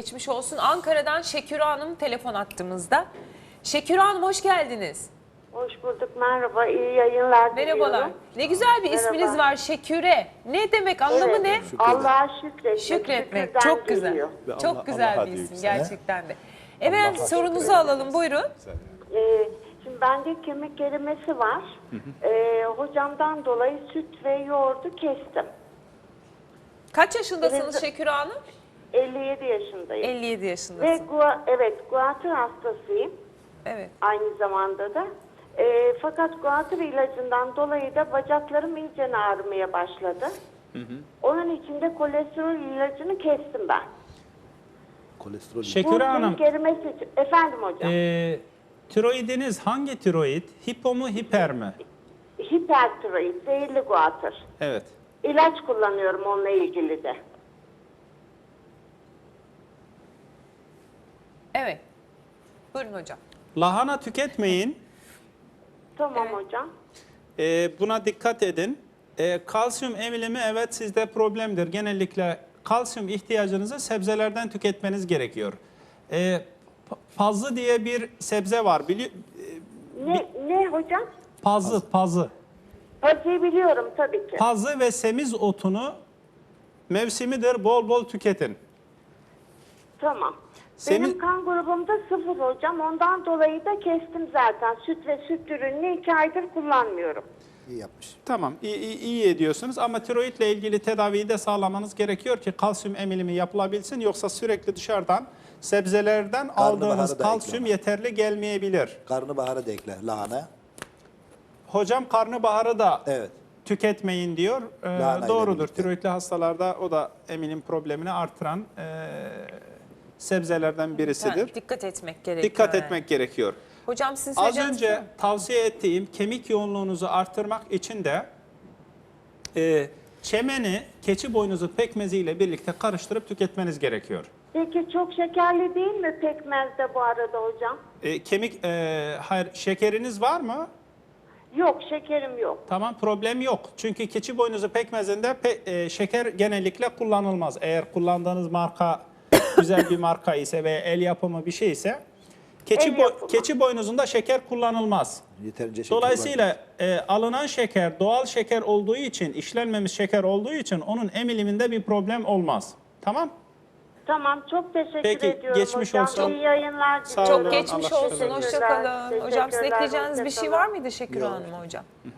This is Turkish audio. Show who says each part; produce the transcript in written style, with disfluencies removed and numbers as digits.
Speaker 1: Geçmiş olsun. Ankara'dan Şeküre Hanım telefon attığımızda. Şeküre Hanım hoş geldiniz.
Speaker 2: Hoş bulduk, merhaba, iyi yayınlar
Speaker 1: Merhabalar.
Speaker 2: diliyorum.
Speaker 1: Ne güzel bir isminiz
Speaker 2: Merhaba.
Speaker 1: var, Şeküre. Ne demek, anlamı
Speaker 2: Evet,
Speaker 1: ne?
Speaker 2: Allah'a şükretmek.
Speaker 1: Şükretmek.
Speaker 2: şükürden
Speaker 1: Çok güzel.
Speaker 2: geliyor.
Speaker 1: Çok güzel
Speaker 3: Allah'a
Speaker 1: bir
Speaker 3: diyor
Speaker 1: isim
Speaker 3: bize, he?
Speaker 1: gerçekten de. Efendim sorunuzu alalım, buyurun.
Speaker 2: Şimdi bende kemik erimesi var. Hocamdan dolayı süt ve yoğurdu kestim.
Speaker 1: Kaç yaşındasınız
Speaker 2: Birinci-
Speaker 1: Şeküre Hanım?
Speaker 2: 57 yaşındayım.
Speaker 1: 57
Speaker 2: Ve
Speaker 1: yaşındasınız.
Speaker 2: guatr hastasıyım
Speaker 1: Evet.
Speaker 2: aynı zamanda da. Fakat guatr ilacından dolayı da bacaklarım iyice ağrımaya başladı. Onun için de kolesterol ilacını kestim ben.
Speaker 3: Kolesterol.
Speaker 4: Şeküre
Speaker 2: Bu
Speaker 4: Hanım,
Speaker 2: kemik erimesi için. Efendim hocam.
Speaker 4: tiroidiniz hangi tiroid? Hipo mu, hiper mi?
Speaker 2: Hipertiroid, zehirli guatr.
Speaker 4: Evet.
Speaker 2: İlaç kullanıyorum onunla ilgili de.
Speaker 1: Evet. Buyurun hocam.
Speaker 4: Lahana tüketmeyin.
Speaker 2: Tamam hocam.
Speaker 4: Buna dikkat edin. Kalsiyum emilimi evet sizde problemdir. Genellikle kalsiyum ihtiyacınızı sebzelerden tüketmeniz gerekiyor. Pazı diye bir sebze var.
Speaker 2: Ne hocam?
Speaker 4: Pazı.
Speaker 2: Pazıyı biliyorum tabii ki.
Speaker 4: Pazı ve semiz otunu mevsimidir. Bol bol tüketin.
Speaker 2: Tamam.
Speaker 4: Senin-
Speaker 2: Benim kan grubumda 0 hocam. Ondan dolayı da kestim zaten. Süt ve süt ürününü 2 aydır kullanmıyorum.
Speaker 3: İyi yapmış.
Speaker 4: Tamam, iyi ediyorsunuz ama tiroidle ilgili tedaviyi de sağlamanız gerekiyor ki kalsiyum emilimi yapılabilsin. Yoksa sürekli dışarıdan sebzelerden aldığınız
Speaker 3: Karnabaharı da
Speaker 4: kalsiyum
Speaker 3: ekleme.
Speaker 4: yeterli gelmeyebilir.
Speaker 3: Karnabaharı da ekle lahana.
Speaker 4: Hocam karnabaharı da
Speaker 3: Evet.
Speaker 4: tüketmeyin diyor.
Speaker 3: Lahana ile
Speaker 4: Doğrudur.
Speaker 3: birlikte.
Speaker 4: Tiroidli hastalarda o da emilim problemini artıran sebzelerden birisidir.
Speaker 1: Yani dikkat etmek gerekiyor.
Speaker 4: Dikkat
Speaker 1: yani.
Speaker 4: etmek gerekiyor.
Speaker 1: Hocam sizin
Speaker 4: Az
Speaker 1: söyleyeceğiniz
Speaker 4: önce tavsiye ettiğim kemik yoğunluğunuzu artırmak için de çemeni keçi boynuzu pekmeziyle birlikte karıştırıp tüketmeniz gerekiyor.
Speaker 2: Peki çok şekerli değil mi pekmez de bu arada hocam?
Speaker 4: Hayır, şekeriniz var mı?
Speaker 2: Yok, şekerim yok.
Speaker 4: Tamam, problem yok. Çünkü keçi boynuzu pekmezinde şeker genellikle kullanılmaz. Eğer kullandığınız marka güzel bir marka ise veya el yapımı bir şey ise
Speaker 2: El yapımı.
Speaker 4: keçi boynuzunda şeker kullanılmaz.
Speaker 3: Yeterince şeker var.
Speaker 4: Dolayısıyla alınan şeker doğal şeker olduğu için, işlenmemiş şeker olduğu için onun emiliminde bir problem olmaz. Tamam?
Speaker 2: Tamam, çok teşekkür
Speaker 4: Peki,
Speaker 2: ediyorum
Speaker 4: geçmiş
Speaker 2: hocam.
Speaker 4: olsun.
Speaker 2: İyi yayınlar
Speaker 4: Sağ
Speaker 2: diliyorum.
Speaker 4: olun.
Speaker 1: Çok geçmiş
Speaker 4: Allah
Speaker 1: olsun.
Speaker 4: razı olsun.
Speaker 1: Hoşça kalın. Hocam sizin
Speaker 2: Teşekkürler,
Speaker 1: ekleyeceğiniz bir şey
Speaker 2: hoşça
Speaker 1: var
Speaker 2: kalın.
Speaker 1: mıydı Şeküre Hanım hocam?